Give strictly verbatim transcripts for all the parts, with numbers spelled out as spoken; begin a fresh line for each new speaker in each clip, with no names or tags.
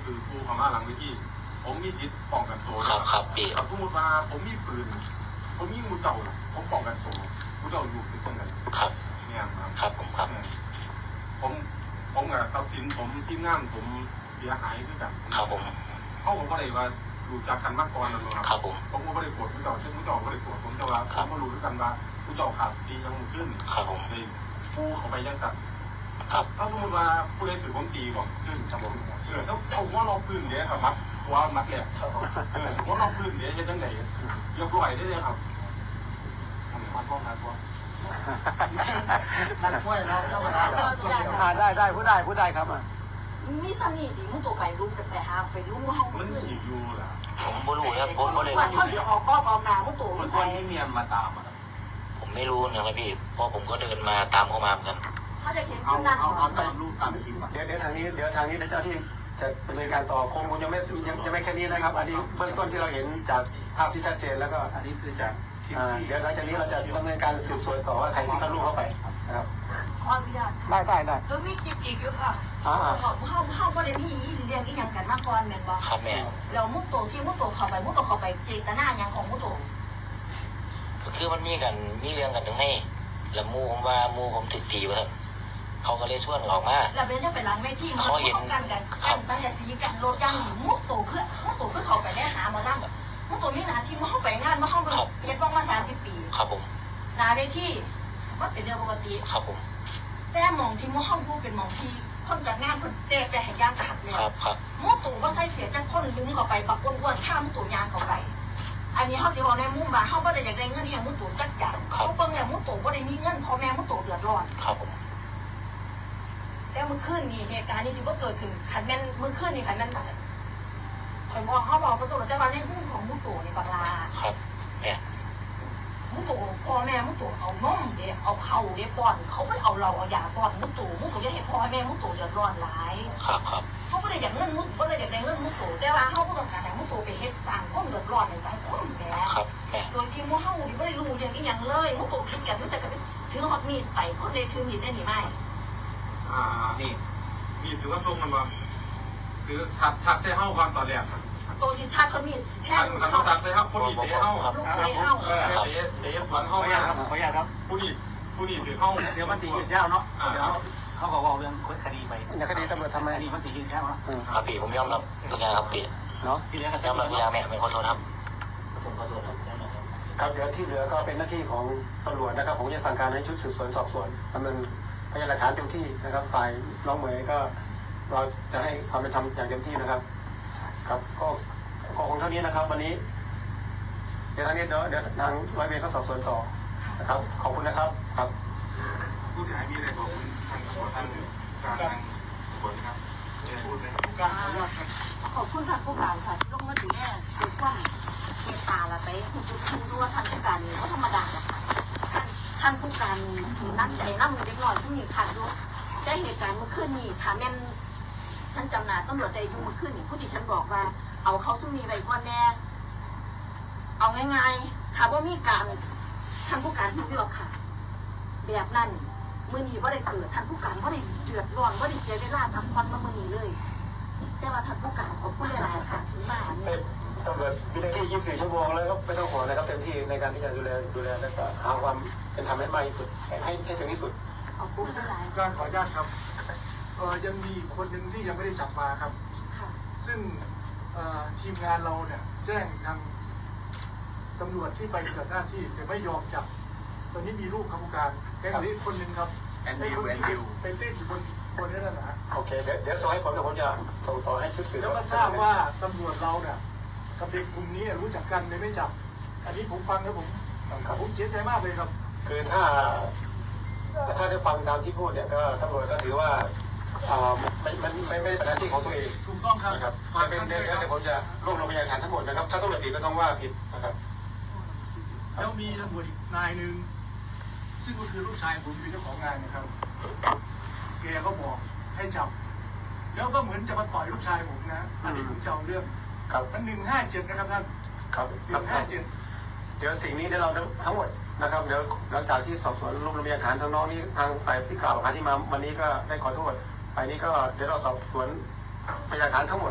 คือกูเขามาหลังเวทีผมมีสิทธิ์ป้องกันตัว
ครับครับพี่
สมมติว่าผมมีปืนผมยิงมูเจ้าผมป้องกันตัวมูเจ้าอยู่สิตรงนั้น
ครับ
เนี่ยครับ
ครับผมครับ
ผมผมกับทรัพย์สินผมที่งานผมเสียหายด้วยกัน
ครับผม
เขาผมก็เลยว่าดูจากกันมากก่อนนะครับ
ครับผม
ผมก็ไม่ได้โกรธมูเจ้าเช่นมูเจ้าไม่ได้โกรธผมแต่ว่าผมก็รู้ด้วยกันว่ามูเจ้าขาดสติยังมือขึ้น
ครับผม
เลยผู้เขาไปยังตัด
ครับ
ถ้าสมมติว่าผู้ใดถือผมตีบอกขึ้นครับผมเออถ้าเอาว่าเราพื้นเดี๋ยวครับมัดว่ามัดแหลกเออว่าเราพื้นเดี๋ยวจะยังไงยกไหวได้เลยครับมัดพ่อมัดพ่อ
นักมวยเราเราอ่าได้ได้พูดได้พูดได้ครับอ่ะ
มีสนิทดิมุตัวไปรู้แต่ไปหาไปรู้ว่าเขา
มันอีกอยู่ล่ะ
ผมไม่รู้ครับผมก็เลย
วันเขาเดี๋ยวออกก็กองนามุตัว
มันคนที่เมียนมาตามอ่ะ
ผมไม่รู้นะครับพี่เพราะผมก็เดินมาตามเขามาเหมือนกัน
เขาจะเขียน
เอา
ขึ้นนั่น
เอาเอาตามรูปตามคลิปอ่ะ
เดี๋ยวเดี๋ยวทางนี้เดี๋ยวทางนี้เจ้าที่จะดำเนินการต่อคงคงยังไม่ยังจะไม่แค่นี้นะครับอันนี้เบื้องต้นที่เราเห็นจากภาพที่ชัดเจนแล้วก็
อันนี้คือจาก
เดี๋ยวหลังจากนี้เราจะดำเนินการสืบสวนต่อว่าใครที่เข้าร่วมเข้าไปนะครับ
ขออนุญาต
ได้ได้ได้
แล้วมีคลิปอีกอยู่ค่ะ
อ่า
เขาเขาเขาไม่ได้มีเรื่องอีกอย่างกันมาก่อนแม่นบ่
ครับแม่
เรามุตัวที่มุตัวเข้าไปมุตัวเข้าไปเจตนาอย่างของมุตัว
คือมันมีกันมีเรื่องกันตรงนี้แล้วมูผมว่ามูผมติดตีวะเขาก็เลยชวนออกมา
แล้วเป็นจะไปล้างไม่ที่เขาเห็นกันกันกันสัญญาสีกันรถย่างหนีมุตัวคือมุตัวคือเขาไปได้หามานั่งมุตัวมีหน้าที่มาเข้าไปงานมาเข้าไปเฮ็ดบ้องมาสามสิบปี
ครับผม
นาเวทีมันเป็นเรื่องปกติ
ครับผม
แต่มองที่มุห้องผู้เป็นมองที่คนจัดงานคนเซฟไปให้ย่างขัดเลย
ครับครับ
มุตัวว่าใส่เสียจังคนลุ้มเข้าไปปักอ้วนๆข้ามมุตัวยางเข้าไปอันนี้เขาสิบอกในมุมว่าเขาไม่ได้อยากได้เงินอย่างมุตัวจักจังเขาเบิ่งอย่างมุตัวไม่ได้มีเงินพ่อแม่มุตัวเดือดร้อน
ครับผม
แต่เมื่อคืนนี่เหตุการณ์นี้สิว่าเกิดขึ้นขันแม่นเมื่อคืนนี่ขันแม่นคอยบอกเขาบอกประตูแต่ว่าในมุมของมุตัวในบักลา
ครับแม่
มุตัวพ่อแม่มุตัวเอานมเด็กเอาเข่าเด็กป้อนเขาไม่เอาเราเอายาป้อนมุตัวมุตัวจะเห็นพ่อแม่มุตัวเดือดร้อนหลาย
ครับครับ
เขาไม่ได้อยากเงินมุตัวไม่ได้อยากได้เงินมุตัวแต่ว่าเขาต้องการให้มุตัวไปเฮ็ดสร้างความเดือดร้อนในสังคมแหม
ครับแม่
โดยที่มุเฮาดิไม่ได้รู้เรื่องอีหยังเลยมุตัวคิดกันไม่ใช่กันถือฮอตมีดไปคนเลยถือมีดได้หนิไม่
อ่านี่มีถือว่าทรงมันว่าคือชัดชัดได้เข้าความต่อแรก
โตสิชัดเขามีแท้
มันเขาชัดได้เข้าผู้นี้เตะเข้า
ลูกเตะเข้า
เออเตะเตะสวนเข้ามา
ขออนุญาตครับ
ผู้นี้ผู้นี้ถือเข้า
เดี๋ยวมันสียืดยาวเนาะเดี๋ยวเขาบอกว่าเรื่องคดีไปในคดีตำรวจทำไมคดีมันสียืดยาวเนาะ
ครับพี่ผมยอมรับทุกอย่างครับพี่
เนาะ
ยอมรับทุกอย่างแม่ไม่ขอโทษครับ
ผมขอโทษครับครับเดี๋ยวที่เหลือก็เป็นหน้าที่ของตำรวจนะครับผมจะสั่งการให้ชุดสืบสวนสอบสวนดำเนินพยานหลักฐานเต็มที่นะครับฝ่ายน้องเหมยก็เราจะให้ความเป็นธรรมอย่างเต็มที่นะครับครับก็ก็คงเท่านี้นะครับวันนี้เดี๋ยวทางนี้เดี๋ยวเดี๋ยวทางร้อยเวรเขาสอบสวนต่อนะครับขอบคุณนะครับครับ
ผู้เสียหายมีอะไรบอกทางตำรวจท่านการทางตำรวจนะครับพูดไหมผู้การ
ขอบคุณค่ะผู้การค่ะที่ลงมาดูแลดูกว้างเมตตาละไปคุณคุณดูว่าท่านผู้การนี่เขาธรรมดาหรอกค่ะท่านท่านผู้การนั่นใจนั่งเด็กหน่อยผู้หญิงขาดด้วยได้เหตุการณ์เมื่อคืนนี้ถามแม่ท่านจำนาตำรวจได้ยุ่งมาขึ้นนี่ผู้ที่ฉันบอกว่าเอาเขาซุ่มมีใบก้อนแน่เอาง่ายๆค่ะว่ามีการท่านผู้การผิดหรอกค่ะแบบนั้นมือนี้ว่าได้เกิดท่านผู้การว่าได้เดือดร้อนว่าได้เสียเวลาทำควันมามือนี้เลยแต่ว่าท่านผู้การขอบคุณหลายๆค่ะถึงมา
เป็นตำรวจมีหน้าที่ยี่สิบสี่ชั่วโมงแล้วก็ไม่ต้องห่วงนะครับเต็มที่ในการที่จะดูแลดูแลและก็หาความเป็นธรรมให้มากที่สุดให้ให้ถึงที่สุด
ขอบคุณหลาย
ๆการขออนุญาตครับเออยังมีคนหนึ่งที่ยังไม่ได้จับมาครับซึ่งทีมงานเราเนี่ยแจ้งทางตำรวจที่ไปปฏิบัติหน้าที่แต่ไม่ยอมจับตอนนี้มีรูปครับผู้การแก๊งนี้คนหนึ่งครับ
แอนดิวแอนดิว
เป็นเต้นอยู่บนบนนี้นั่นนะ
โอเคเดี๋ยวเดี๋ยวส่งให้ผมเดี๋ยวผมจะส่งต่อให้ชุดสืบ
แล้วก็ทราบว่าตำรวจเราเนี่ยกับเด็กกลุ่มนี้รู้จักกันเลยไม่จับอันนี้ผมฟังแล้วผมผมเสียใจมากเลยครับ
คือถ้าถ้าได้ฟังตามที่พูดเนี่ยก็ตำรวจก็ถือว่ามันมันไม่ไม่เป็นหน้าที่ของตัวเอง
ถูกต้องครับ
นะครับเป็นเรื่องที่ผมจะรวบรวมพยานฐานทั้งหมดนะครับถ้าตำรวจผิดก็ต้องว่าผิดนะครับ
แล้วมีตำรวจอีกนายหนึ่งซึ่งก็คือลูกชายผมเป็นเจ้าของงานนะครับแกก็บอกให้จับแล้วก็เหมือนจะมาต่อยลูกชายผมนะอันนี้ผมจะเอาเรื่องมันหนึ่งห้าเจ็ดนะครับท่าน
ครับ
หนึ่งห้าเจ็ด
เดี๋ยวสิ่งนี้เดี๋ยวเราทั้งหมดนะครับเดี๋ยวหลังจากที่สอบสวนรวบรวมพยานฐานทางน้องนี้ทางฝ่ายที่กล่าวหาที่มาวันนี้ก็ได้ขอโทษฝ่ายนี้ก็เดี๋ยวเราสอบสวนพยานฐานทั้งหมด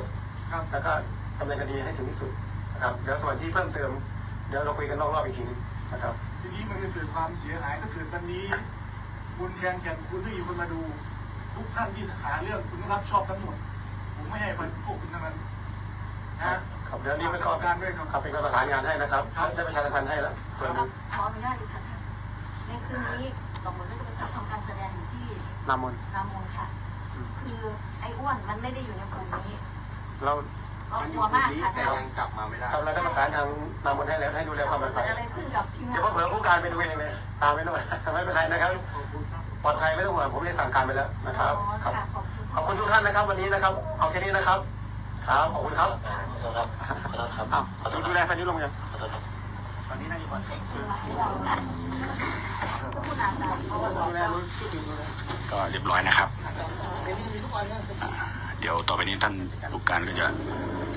ครับ
แล้วก็ดำเนินคดีให้ถึงที่สุดนะครับเดี๋ยวส่วนที่เพิ่มเติมเดี๋ยวเราคุยกันนอกรอบอีกทีนึงนะครับ
ทีนี้มันจะเกิดความเสียหายถ้าเกิดวันนี้คุณแทนแก่นคุณไม่มีคนมาดูทุกท่านที่หาเรื่องคุณต้องรับชอบทั้งหมดผมไม่ให้พวกคุณทั้งนั้นนะครับ
เดี๋ยวนี้เป็นข้อ
การด้วยครับ
ครับเป็นการประสานงานให้นะครับได้ประชาสัมพันธ์ให้แล้วส่วน
ขออนุญาตอีกค่ะท่านในคืนนี้ดอกบัวก็จะไปทำการแสดงอยู่ที่
นามน
นามนค่ะ คือไอ้อ้วนมันไม่ได้อยู่ในกลุ่มนี้
เรา
ก็กลัวมากค่ะ
แต่
ท่าน
ยังกลับมาไม่ได้
ครับเราได้ประสานทางนามนให้แล้วให้ดูแลความปลอดภั
เกิ
ย
ดอะไรขึ้นกับทีมงา
เดี๋ยวน เผื่อผู้การไปดูเองเลยตามไปด้วยไม่เป็นไรนะครับปลอดภัยไม่ต้องห่วงผมได้สั่งการไปแล้วนะครับ
อ๋อ
ครับ
ค่ะขอบคุณ
ขอบคุณทุกท่านนะครับวันนี้นะครับเอาแค่นี้นะครับครับขอบคุณครับ
ขอโทษครับขอโทษครับ
อ้าว
ขอโทษ
ดูแลแฟนยุลงยัง
ขอโทษครับ
ตอนนี้นายบอลเอง
ผู้นำเราเพราะว่า
ดูแลรู้ชื่อดูแล
ก็เรียบร้อยนะครับ เดี๋ยวต่อไปนี้ท่านผู้การก็จะ